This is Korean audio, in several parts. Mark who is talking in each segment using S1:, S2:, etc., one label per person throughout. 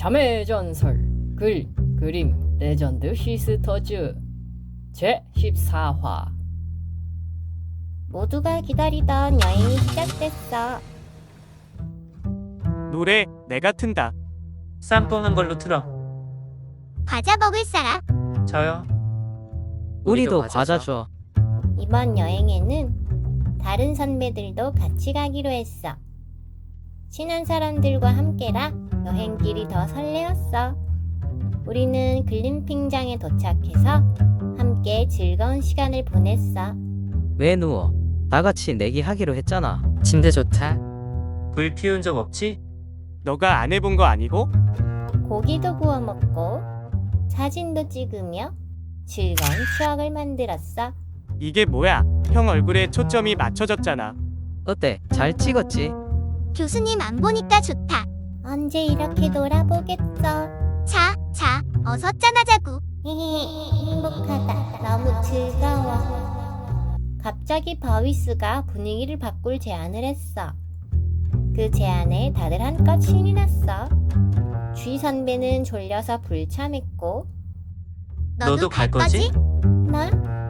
S1: 자매 전설 글 그림 레전드 시스터즈 제14화.
S2: 모두가 기다리던 여행이 시작됐어.
S3: 노래 내가 튼다.
S4: 쌈 뽑는 걸로 틀어.
S2: 과자 먹을 사람?
S4: 저요.
S5: 우리도 과자 줘.
S2: 이번 여행에는 다른 선배들도 같이 가기로 했어. 친한 사람들과 함께라 여행길이 더 설레었어. 우리는 글램핑장에 도착해서 함께 즐거운 시간을 보냈어.
S5: 왜 누워? 다 같이 내기하기로 했잖아.
S6: 침대 좋다.
S4: 불 피운 적 없지?
S3: 너가 안 해본 거 아니고?
S2: 고기도 구워 먹고 사진도 찍으며 즐거운 추억을 만들었어.
S3: 이게 뭐야? 형 얼굴에 초점이 맞춰졌잖아.
S5: 어때? 잘 찍었지?
S2: 교수님 안 보니까 좋다. 언제 이렇게 놀아보겠어. 자, 어서 짠하자구. 행복하다. 너무 즐거워. 갑자기 바위스가 분위기를 바꿀 제안을 했어. 그 제안에 다들 한껏 신이 났어. 쥐 선배는 졸려서 불참했고,
S4: 너도 갈 거지?
S2: 나?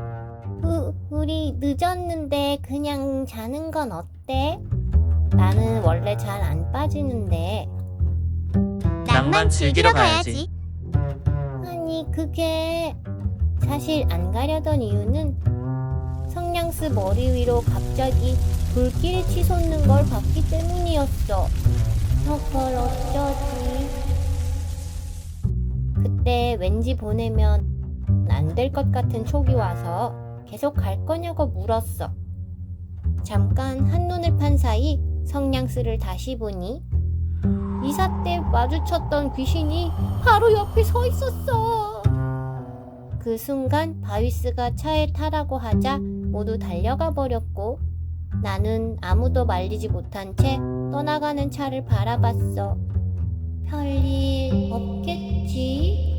S2: 우리 늦었는데 그냥 자는 건 어때? 나는 원래 잘 안 빠지는데.
S4: 낭만 즐기러 가야지.
S2: 아니 그게 사실 안 가려던 이유는 성냥스 머리 위로 갑자기 불길이 치솟는 걸 봤기 때문이었어. 저걸 어쩌지? 그때 왠지 보내면 안 될 것 같은 촉이 와서 계속 갈 거냐고 물었어. 잠깐 한눈을 판 사이 성냥스를 다시 보니 이사 때 마주쳤던 귀신이 바로 옆에 서 있었어. 그 순간 바위스가 차에 타라고 하자 모두 달려가 버렸고, 나는 아무도 말리지 못한 채 떠나가는 차를 바라봤어. 별일 없겠지?